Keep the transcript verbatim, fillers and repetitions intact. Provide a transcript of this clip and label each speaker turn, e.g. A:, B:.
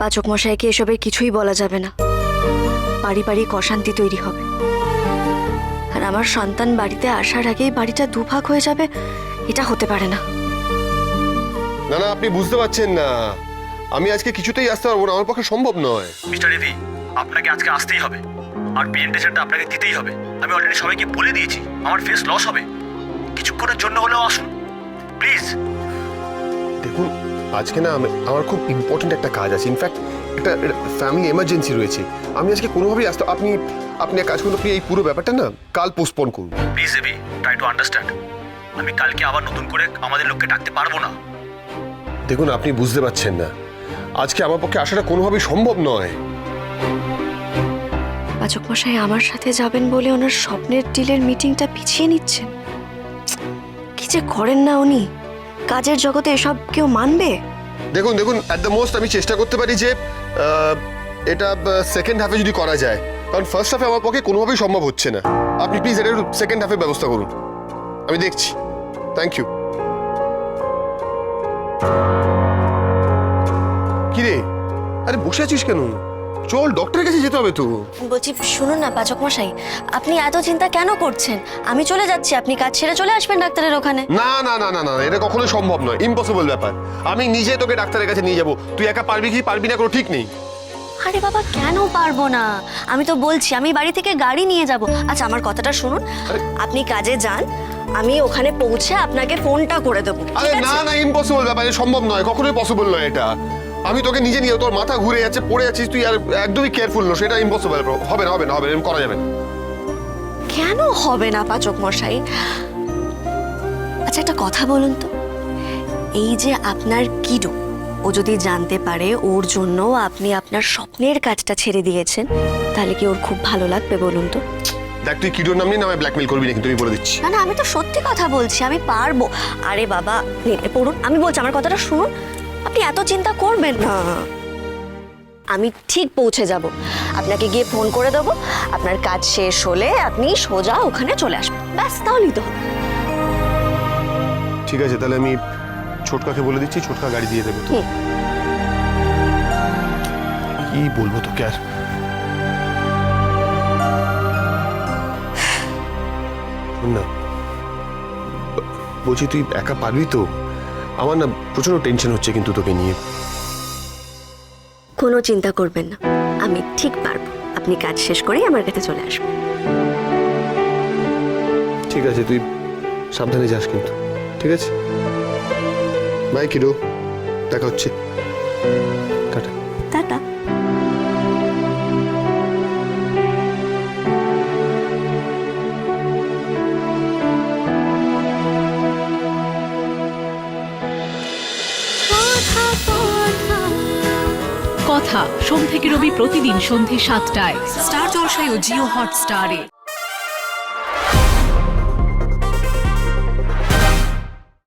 A: পাচক মশাইকে এসবের কিছুই বলা যাবে না, পারিবারিক অশান্তি তৈরি হবে। আর আমার সন্তান বাড়িতে আসার আগেই বাড়িটা দুভাগ হয়ে যাবে, এটা হতে পারে না।
B: না না, আপনি বুঝতে পারছেন না, আমি আজকে কিছুতেই আসতে পারবো না, আমার পক্ষে সম্ভব নয়।
C: মিস্টার রেডি, আপনাকে আজকে আসতেই হবে, আর প্রেজেন্টেশনটা আপনাকে দিতেই হবে। আমি অলরেডি সবাইকে বলে দিয়েছি আমার ফেস লস হবে, কিছুক্ষণের জন্য হলেও আসুন প্লিজ।
B: দেখুন, আজকে না আমি- আমার খুব ইম্পর্টেন্ট একটা কাজ আছে, ইনফ্যাক্ট একটা ফ্যামিলি এমার্জেন্সি রয়েছে। আমি আজকে কোনোভাবেই আসতে, আপনি আপনি এক কাজ করুন, আপনি এই পুরো ব্যাপারটা না কাল পোস্টপোন করুন।
C: Please ready, try to understand. আমি কালকে আবার নতুন করে আমাদের লোককে ডাকতে পারবো না।
B: দেখুন, আপনি বুঝতে পারছেন না, আজকে আমার পক্ষে আসাটা কোনোভাবেই সম্ভব নয়।
A: পাচক মশাই আমার সাথে যাবেন বলে ওনার স্বপ্নের ডিলের মিটিংটা পিছিয়ে নিচ্ছেন। কি যে করেন না উনি, কাজের জগতে এসব কেউ মানবে?
B: দেখুন দেখুন অ্যাট দ্য মোস্ট আমি চেষ্টা করতে পারি যে আহ, এটা সেকেন্ড হাফে যদি করা যায়, কারণ ফার্স্ট হাফে আমার পক্ষে কোনোভাবেই সম্ভব হচ্ছে না। আপনি প্লিজ এটা সেকেন্ড হাফে ব্যবস্থা করুন, আমি দেখছি। Thank you. কিরে, আরে বসে আছিস কেন? চল, ডক্টরের কাছে যেতে হবে তো।
A: বলছি শুনুন না পাচক মশাই, আপনি এত চিন্তা কেন করছেন? আমি চলে যাচ্ছি, আপনি কাজ ছেড়ে চলে আসবেন ডাক্তারের ওখানে।
B: না না না না না, এটা কখনোই সম্ভব নয়, ইম্পসিবল ব্যাপার। আমি নিজে তোকে ডাক্তারের কাছে নিয়ে যাবো, তুই একা পারবি কি পারবি না কোনো ঠিক নেই।
A: আরে বাবা, কেন পারবো না? আমি তো বলছি আমি বাড়ি থেকে গাড়ি নিয়ে যাব। আচ্ছা আমার কথাটা শুনুন, আপনি কাজে যান, আমি ওখানে পৌঁছে আপনাকে ফোনটা করে দেবো।
B: আরে না না, ইম্পসিবল ব্যাপার, এটা সম্ভব নয়, কখনোই পসিবল নয় এটা। আমি তোকে নিজে নিয়ে, তোর মাথা ঘুরে যাচ্ছে, পড়ে যাচ্ছিস তুই, আর একদমই কেয়ারফুল নয়, সেটা ইম্পসিবল। হবে না হবে না হবে না, এরকম করা যাবে না।
A: কেন হবে না পাচক মশাই? আচ্ছা একটা কথা বলুন তো, এই যে আপনার কিডো, ও যদি জানতে পারে ওর জন্য আপনি আপনার স্বপ্নের কাজটা ছেড়ে দিয়েছেন, তাহলে কি ওর খুব ভালো লাগবে বলুন তো?
B: দেখ, তুই কিডোর নাম নিয়ে না আমায় ব্ল্যাকমেল করবি না কিন্তু, আমি বলে দিচ্ছি।
A: না না, আমি তো সত্যি কথা বলছি, আমি পারবো। আরে বাবা নিন, এ পড়ুন, আমি বলছি আমার কথাটা শুনুন, আপনি এত চিন্তা করবেন না, আমি ঠিক পৌঁছে যাব। আপনাকে গিয়ে ফোন করে দেবো, আপনার কাজ শেষ হলে আপনি সোজা ওখানে চলে আসবেন, ব্যাস, তাহলেই তো হবে।
B: ঠিক আছে, তাহলে আমি ছোটকাকে বলে দিচ্ছি, ছোটকা গাড়ি দিয়ে দেবে তো।
A: হুম।
B: কি বলবো তোকে আর। শোন না, ব- বলছি তুই একা পারবি তো? আমার না প্রচন্ড টেনশন হচ্ছে কিন্তু তোকে নিয়ে।
A: কোনো চিন্তা করবেন না, আমি ঠিক পারবো। আপনি কাজ শেষ করেই আমার কাছে চলে আসবেন।
B: ঠিক আছে, তুই সাবধানে যাস কিন্তু, ঠিক আছে? বাই কিডো, দেখা হচ্ছে, টাটা।
A: টাটা।
D: কথা সোম থেকে রবি প্রতিদিন সন্ধে সাতটায় স্টার জলসায় ও জিও হটস্টারে।